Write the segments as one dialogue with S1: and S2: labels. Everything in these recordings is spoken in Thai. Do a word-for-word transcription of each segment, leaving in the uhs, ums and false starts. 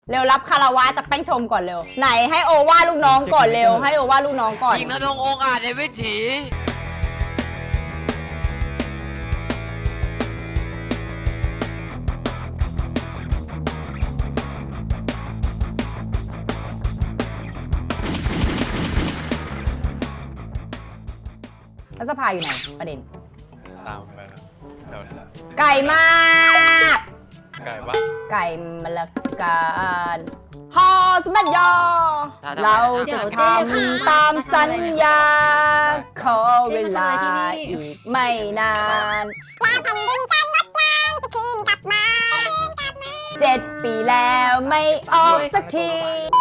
S1: เร็วรับคาราวะจากแป้งชมก่อนเร็วไหนให้โอว่าลูกน้องก่อนเร็วให้โอว่าลูกน้องก่อน
S2: ยิงนะตรงองค์อาจในวิถี
S1: แล้วสภาอยู่ไหนประเด็น
S3: ตามไปนะเดี๋ยวนะ
S1: ไก่มาก
S3: ไก่ปะ
S1: ไก่มะละกาฮอสมัดยอเราจะทำตามสัญญาขอเวลาอีกไม่นานเจ็ดปีแล้วไม่ออกสักที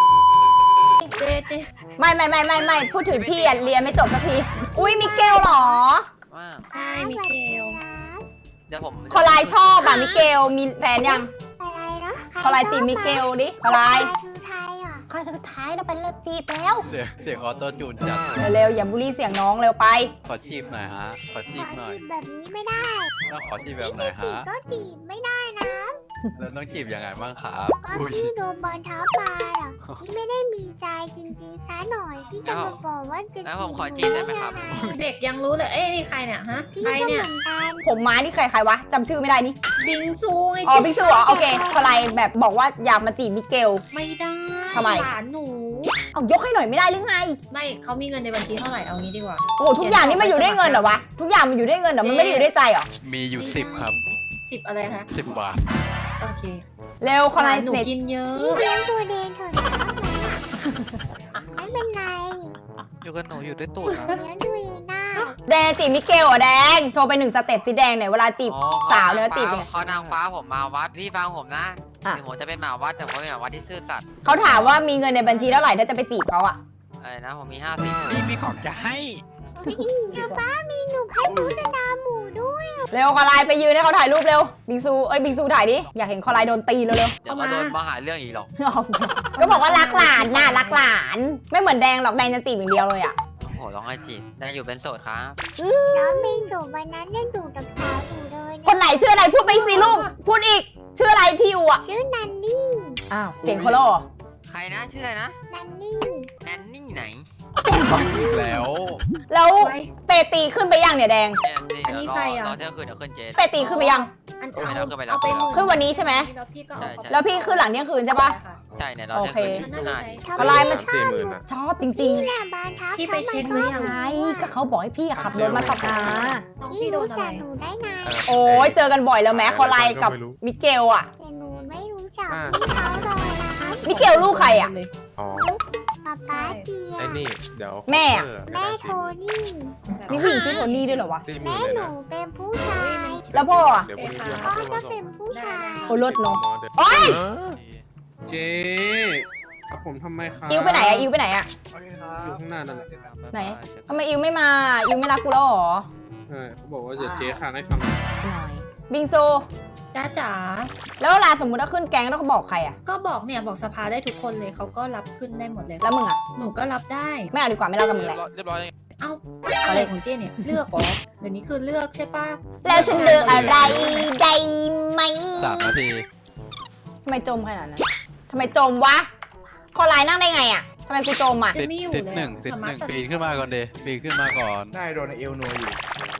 S1: ไม่ไม่ไม่ไม่ไม่พูดถึงพี่อ่ะเรียนไม่จบสักทีอุ้ยมิเกลเหรอ
S2: ว่า
S4: ใช่มิเกล
S2: เดี๋ยวผม
S1: คอลายชอบอ่ะมิเกลมีแฟนยัง
S5: อะไรนะ
S1: คอลายจีบมิเกลดิคอลาย
S5: คือไทยอ่ะ
S1: คอลายสุดท้ายเราไปเลิกจีบแล้ว
S3: เสียงเสียงออโต้จูนจัด
S1: เร็วๆอย่าบูลลี่เสียงน้องเร็วไป
S3: ขอจีบหน่อยฮะ ขอจีบหน่อย
S5: จีบแบบนี้ไม่ได้
S3: แล้วขอจีบแบบไหน
S5: จี
S3: ฮะ
S5: บก็จีบไม่ได้นะ
S3: แล้วต้องจีบยังไงบ้างครับ
S5: ก็
S3: อุ้ย
S5: พี่โดนบอลเท้าปลาอ่ะพี่ไม่ได้มีใจจริงๆซะหน่อยพี่จะมาบอกว่าจะ
S2: แล้ว
S5: จี
S2: ผ
S5: บ
S2: มขอจีบได้ไหมครับ
S4: เด็กยังรู้เลย เอ้ยนี่ใครเนี่ยฮะ
S5: พี่
S4: ใคร
S5: ก็เห
S4: เนี่ย
S5: มือนกัน
S1: ผมม้านี่ใครใครวะจำชื่อไม่ได้นี่
S4: บิงซูไง
S1: อ๋อบิ๊กซูเหรอโอเคคอลายแบบบอกว่าอยากมาจีบมิเกล
S4: ไม่ได้
S1: ทำไม
S4: หลานหนู
S1: เอายกให้หน่อยไม่ได้หรือไง
S4: ไม่เขามีเงินในบัญชีเท่าไหร่เอางี้ดีกว่า
S1: โอ้โหทุกอย่างนี่มันอยู่ด้วยเงินเหรอวะทุกอย่างมันอยู่ด้วยเงินเหรอมันไม่ได้อยู่ด้วยใจเหรอ
S3: มีอยู่สิบครับ
S4: สิบอะไรคะ
S3: สิบบาท
S4: โอเค
S1: เร็วคอลาย
S4: หนู
S1: เน็ต
S4: กินเยอะ
S5: พี่เลี้ยงตัวเดนเถอะนะไม่เป็นไร
S2: อยู่กับหนูอยู่ด้วยตูดนะ
S5: เลี้ยงตัวเองได้
S1: แดงจีบมิเกลเหรอแดงโชว์ไปหนึ่งสเต็ปสิแดงหน่อยเวลาจีบสาวเนี่ยจีบยังไง
S2: เขานางฟ้าผมมาวัดพี่ฟังผมนะ
S1: อ่ะ
S2: ถึงผมจะเป็นหมาวัดแต่ผมเป็นหมาวัดที่ซื่อสัตย์
S1: เขาถามว่ามีเงินในบัญชีเท่าไหร่ถ้าจะไปจีบเขาอะ
S2: อะไรนะผมมีห้าสิบ
S3: นี่มีของจะให้
S5: ป้าป้ามีหนูให้หนูตะดาหมูด้วย
S1: เร็วคอลายไปยืนให้เขาถ่ายรูปเร็วบิงซูเอ้ยบิงซูถ่ายดิอยากเห็นคอลายโดนตีเร็ว
S2: เดี๋ยวก็โดนมาหาเรื่องอีกหรอก
S1: ๆ ก็บอกว่ารักหลานน่ะรักหลาน ไม่เหมือนแดงหรอกแดงจะจีบอย่างเดียวเลยอะ
S2: โอ้โหร้องไห้จีบได้อยู่เป็นโสดครับ
S5: น้องเป็นสูบวันนั้นได้ดูกับสาวหนูเลย
S1: คนไหนชื่ออะไรพูดไปสิลูกพูดอีกชื่ออะไรที่อยู่อะ
S5: ชื่อนันนี่
S1: อ้าวเสียงโคโลเหรอ
S2: ใครนะชื่ออะไรนะ
S5: นันนี่
S2: แนนนี่ไหน
S3: อีกแล้ว
S1: แล้ว
S4: ไป
S1: เปตีขึ้นไปยังเนี่ยแดง
S2: เนี่ยนี่
S4: อันนี้
S2: เดี๋ยวรอ
S4: ใครอะ
S2: รอเที่ยงคืนเดี๋ยวขึ้นเจน
S1: เปตีขึ้นไปยัง
S4: อัน
S2: ขึ้นไปแล้
S4: เอา
S2: วขึ้นไปแล้ว
S4: เอาไปหมื่
S1: ขึ้นวันนี้ใช่ไหม
S4: แล้วพี่ก็เอาเข้าไป
S1: แล้วพี่ขึ้นหลังเที่ยงคืนใช่ปะ
S2: ใช่เนี่ยรอเที่ยงคืน
S1: โอเค
S2: สิบห้า
S1: คอลายมัน
S5: สี่หมื่นนะ
S1: ชอบจริง
S5: นี่น่ะบานทับ
S4: พี่ไปเช็คหรือยัง
S1: ๆใช่ก็เขาบอกให้พี่อะขับรถมาขับหา
S4: น้อง
S5: พี่
S4: พี่โด
S5: รู้
S4: นอะ
S5: จั
S4: ไร
S5: กหนูได้ไง
S1: โอ้ยเจอกันบ่อยแล้วแม้คอลายกับมิเกลอะ
S5: แต่หนูไม่รู้จักพี่เขาเลยนะ
S1: มิเกลลูกใครอะ
S6: อ๋อ
S5: ป๊าป๊าเจีย
S6: ไอ้นี่ เดี๋ยว
S1: แม่อะ
S6: เออ
S5: แม่โทนี่
S1: มีผู้หญิงชื่อโทนี่ด้วยเหรอวะ
S6: สี่ห
S5: แม่
S6: มื่น
S5: ห
S6: เลย
S5: นู
S6: นะ
S5: เป็นผู้ชาย
S1: แล้วพ่ออะ
S6: เดี๋ยวพรุ่งนี้พี่
S5: พ่อ
S6: เอา
S5: ก็
S6: มาส่
S5: เป็
S6: ง
S5: นผู้ชาย
S1: โอ้รถเนาะ
S6: เดี๋ยว
S1: โอ้ย
S6: เจ๊เอาผมทำไมครับ
S1: อิวไปไหนอะอิวไปไหนอะ
S6: อยู่ข้างหน้านั่นแหละ
S1: ไหนทำไมอิวไม่มาอิวไม่รักกูแล้วเหรอ
S6: ใช่เขาบอกว่าจะเจ๊ค้างให้ฟัง
S1: หน่อยบิงซู
S4: จ้าจ๋า
S1: แล้วเวลาสมมติว่าขึ้นแก๊งต้องบอกใครอะ
S4: ก็บอกเนี่ยบอกสภาได้ทุกคนเลยเขาก็รับขึ้นได้หมดเลย
S1: แล้วมึงอะ
S4: หนูก็รับได้
S1: ไม่เอาดีกว่าไม่เล่ากับมึงแหละ
S2: เรียบร้อย
S4: เอ้าอะไรของเจ๊เนี่ยเลือกเหรอเดี๋ยวนี้คือเลือกใช่ปะ
S1: แล้วฉันเลือกอะไรได้ไหม
S3: สามนาที
S1: ทำไมจมขนาดนั้นทำไมจมวะคอลายนั่งได้ไงอะทำไมกูจมอะ
S3: สิบสิบหนึ่งสิบหนึ่งปีนขึ้นมาก่อนเดปีนขึ้นมาก่อน
S7: ได้โดนเอลนัวอยู่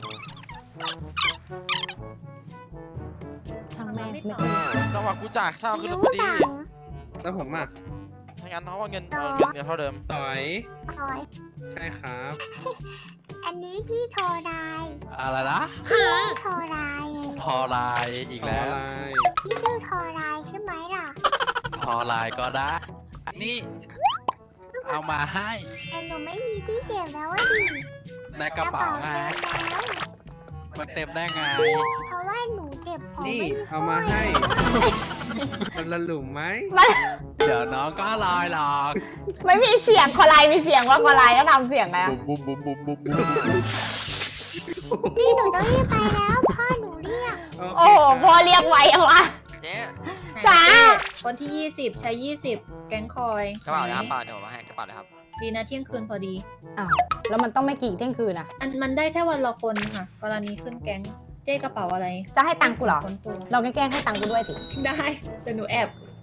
S1: ช่างแม่งไม่
S8: จังหวะกูจ่ายเช่าขึ้น
S5: ยิ้
S8: ร
S5: ว
S8: ถพอดี
S5: หนัง
S6: แล้วผมอ่ะ
S8: ไม่งั้นเขาว่าเงินเออเงินเงินเท่าเดิม
S6: ต่อย
S5: อ๋อย
S6: ใช่ครับ
S5: อันนี้พี่โทรได้
S3: อะไรนะ
S5: พี่โทรได้ไง
S3: พอไลน์อีก
S6: อ
S3: แล้
S6: อ
S3: ว
S6: นไลน์
S5: พี่ชื่อโทรได้ใช่ไหมล่ะ
S3: พอไลน์ก็ได้ นี่ เอามาให้
S5: แต่หนูไม่มีที่เก็บแล้วว่าดิ
S3: ในกระเป๋าไง
S5: เต็มแล้ว
S3: มันเต็มได้ไง
S5: เพราะว่าหนูเก็บของ
S6: นี่
S5: ไม่
S6: เอามาให้ มันละหลุมไหม
S1: มัน
S3: เดี๋ยวน้องก็ลอยหรอก
S1: ไม่มีเสียงคอลายมีเสียงว่าคอลายต้องทำเสียงไงอะ
S3: บุ้มบุ้มบุ้มบุ้มบุ้มบุ้มบุ้ม
S5: พี่หนูต้องรีบไปแล้วพ่อหนูเรียก
S1: โอ้โหพ่อเรียกไว้อะวะ
S2: เจ๊
S1: จ๋า
S4: คนที่ยี่สิบใช้ยี่สิบแก๊งคอย
S2: กระเป๋าเลยครับเปล่าเดี๋ยวผมมาให้กระเป๋าเลยครับ
S4: ดีนะเที่ยงคืนพอดี
S1: อ้าวแล้วมันต้องไม่กี่เที่ยงคืนอะ
S4: อันมันได้แค่วันละคนค่ะ กรณีขึ้นแก๊งเจ๊กระเป๋าอะไร
S1: จะให้ตังค์กูเหรอ
S4: คนตัว
S1: เราแกล้งให้ตังค์กูด้วยสิ
S4: ได้แต่หนูแอบแก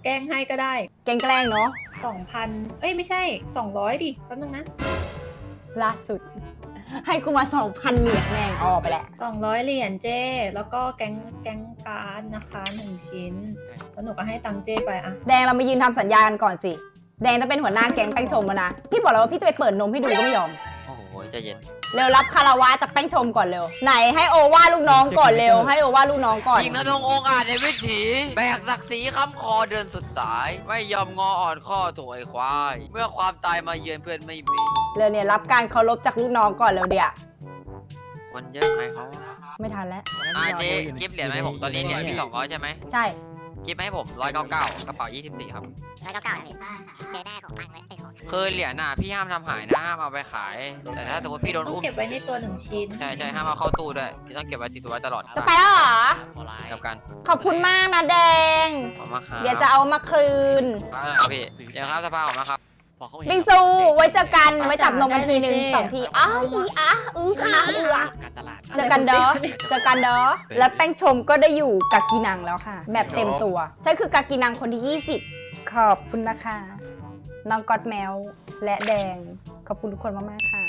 S4: ล้งให้ก็ได้
S1: แกล้งแกล้งเนาะ
S4: สองพันเอ้ยไม่ใช่สองร้อยดิแป๊บนึงนะ
S1: ล่าสุด ให้กูมาสองพันเหรียญแม่งออกไปแหละ
S4: สองร้อยเหรียญเจ้แล้วก็แก๊งแก๊งการ์ดนะคะหนึ่งชิ้นแล้วหนูก็ให้ตังค์เจ้ไปอะ
S1: แดงเรามายืนทำสัญญากันก่อนสิ แดงต้องเป็นหัวหน้าแก๊งแป้งชมแล้วนะ พี่บอกแล้วว่าพี่จะไปเปิดนมให้ดูก็ไม่ยอม
S2: โอ้โหใจเย็น
S1: เร็วรับคาราวะจากแป้งชมก่อนเร็ว ไหนให้โอว่าลูกน้องก่อนเร็ว ให้โอว่าลูกน้องก่อน
S2: ยิงกระทงองค์อาจในวิถีแบกศักดิ์ศรีค้ำคอเดินสุดสาย ไม่ยอมงออ่อนข้อถวยควาย เมื่อความตายมาเยือนเพื่อนไม่มี
S1: เร็วเนี่ยรับการเคารพจากลูกน้องก่อนเร็วเดี๋ยว
S2: มันเยอะไหมเขา
S1: ไม่ทันแล้ว
S2: อ่าเจ๊กิฟเหรียญมาให้ผมตอนนี้เหรียญมีสองร้อยใช่ไหม
S1: ใช่
S2: กิฟให้ผมร้อยเก้าเก้ากระเป๋ายี่สิบสี่ครับ
S5: แล้วก็เก่าเลยเจได้ของตังค์เลยไอ้ของ
S2: คือเหรียญน่ะพี่ห้ามทำหายนะห้ามเอาไปขาย แต่ถ้าสมมติพี่โดน
S4: ต้อง
S2: อุ้ม
S4: เก็บไว้ในตัวหนึ่งชิ้น
S2: ใช่ใช่ห้ามเอาเข้าตู้ด้วยพี่ต้องเก็บไว้ติดตัวไว้ตลอด
S1: จะไปแล้วเหรอ
S2: กับกัน
S1: ขอบคุณมากนะแดง
S2: ขอบคุณมากครับ
S1: เดี๋ยวจะเอามาคืน
S2: ครับพี่เดี๋ยวครับสภาขอบคุณมากครับ
S1: บิงซู ไว้เจอกัน ไว้จับนมกันทีหนึ่งสองทีอ้าวอีอ้าอืออ้าอือ
S2: การตลาด
S1: เจอกันเด้อ เจอกันเด้อ และแป้งชมก็ได้อยู่กากีนังแล้วค่ะ แบบเต็มตัว ฉันคือกากีนังคนที่ยี่สิบขอบคุณนะคะ น้องกอดแมวและแดง ขอบคุณทุกคนมากๆค่ะ